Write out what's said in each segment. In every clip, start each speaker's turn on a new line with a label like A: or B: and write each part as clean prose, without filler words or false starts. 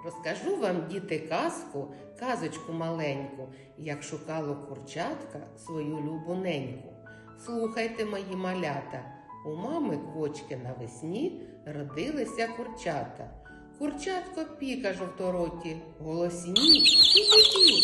A: Розкажу вам, діти, казку, казочку маленьку, як шукало курчатка свою любу неньку. Слухайте, мої малята, у мами квочки навесні родилися курчата. Курчатко піка жовтороті, голосні пі-пі-пі.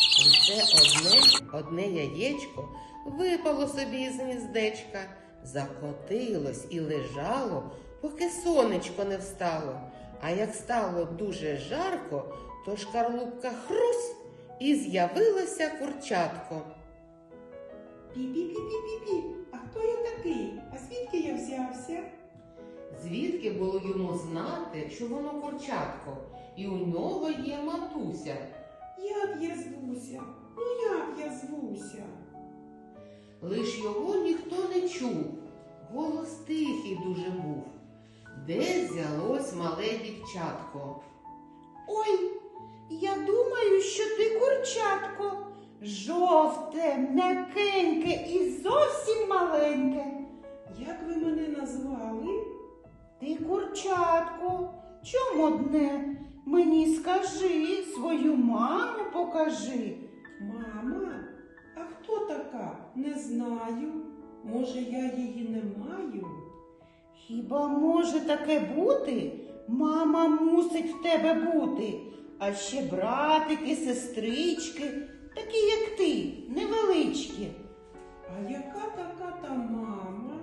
A: Лише одне яєчко випало собі із гніздечка, закотилось і лежало, поки сонечко не встало. А як стало дуже жарко, то шкарлупка хрусь, і з'явилося курчатко.
B: Пі-пі-пі-пі-пі-пі, а хто я такий? А звідки я взявся?
A: Звідки було йому знати, що воно курчатко, і у нього є матуся?
B: Як я звуся? Ну як я звуся?
A: Лиш його ніхто не чув, голос тихий дуже був. Де взялось мале дівчатко?
C: Ой, я думаю, що ти курчатко, жовте, м'якеньке і зовсім маленьке.
B: Як ви мене назвали?
C: Ти курчатко, чому одне? Мені скажи, свою маму покажи.
B: Мама? А хто така? Не знаю. Може, я її не маю?
C: Хіба може таке бути? Мама мусить в тебе бути. А ще братики, сестрички, такі, як ти, невеличкі.
B: А яка така та мама?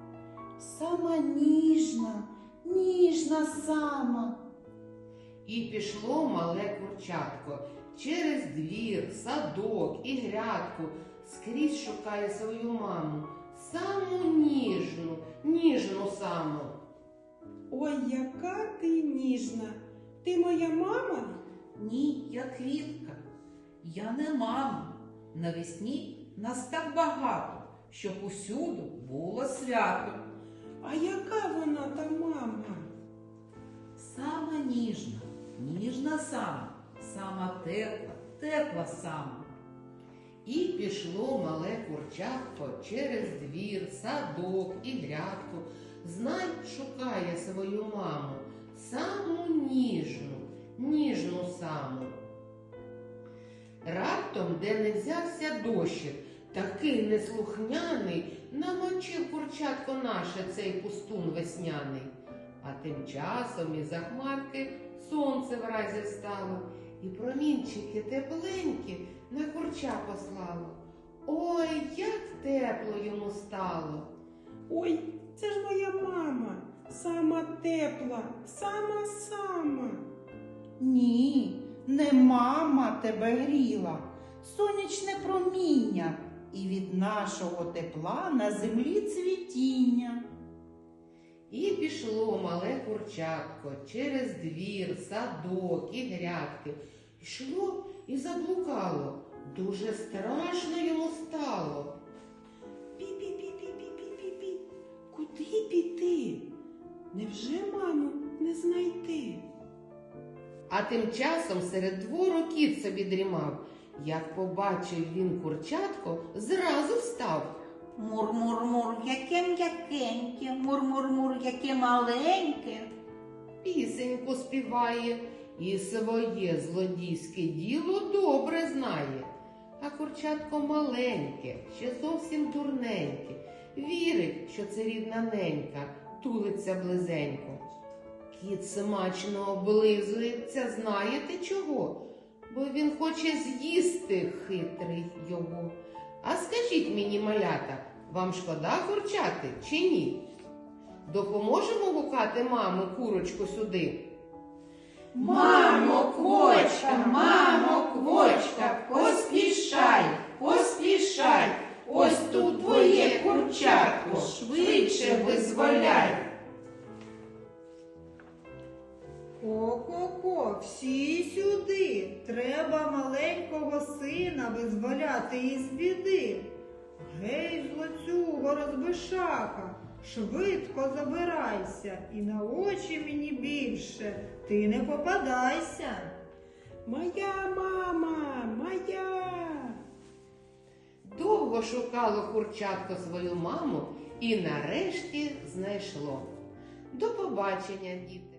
C: Сама ніжна, ніжна сама.
A: І пішло мале курчатко через двір, садок і грядку, скрізь шукає свою маму, саму ніжну, ніжну саму.
B: Ой, яка ти ніжна. Ти моя мама?
D: Ні, я квітка. Я не мама. Навесні нас так багато, щоб усюди було свято.
B: А яка вона та мама?
D: Сама ніжна, ніжна сама, сама тепла, тепла сама.
A: І пішло мале курчатко через двір, садок і грядку, знай шукає свою маму, саму ніжну, ніжну саму. Раптом, де не взявся дощик, такий неслухняний, намочив курчатко наше цей пустун весняний. А тим часом із-за хмарки сонце вразі встало, і промінчики тепленькі на курча послало. Ой, як тепло йому стало!
B: Ой, це ж моя мама, сама тепла, сама-сама.
C: Ні, не мама тебе гріла, сонячне проміння, і від нашого тепла на землі цвітіння.
A: І пішло мале курчатко через двір, садок і грядки. Йшло і заблукало, дуже страшно йому стало.
B: Пі-пі-пі-пі-пі-пі-пі. Куди піти? Невже маму не знайти?
A: А тим часом серед двору кіт собі дрімав. Як побачив він курчатко, зразу встав.
C: Мур-мур-мур, яке м'якеньке, мур-мур-мур, яке маленьке.
A: Пісеньку співає і своє злодійське діло добре знає. А курчатко маленьке, ще зовсім дурненьке, вірить, що це рідна ненька, тулиться близенько. Кіт смачно облизується, знаєте чого? Бо він хоче з'їсти хитрий його. А скажіть мені, малята, вам шкода курчати чи ні? Допоможемо гукати маму курочку сюди?
C: Мамо, квочка, поспішай, поспішай, ось тут твоє курчатко, швидше визволяй.
E: Ко-ко-ко, всі сюди, треба маленького сина визволяти із біди. Гей, злоцюго, розбишака, швидко забирайся, і на очі мені більше ти не попадайся.
B: Моя мама, моя!
A: Довго шукало курчатко свою маму і нарешті знайшло. До побачення, діти!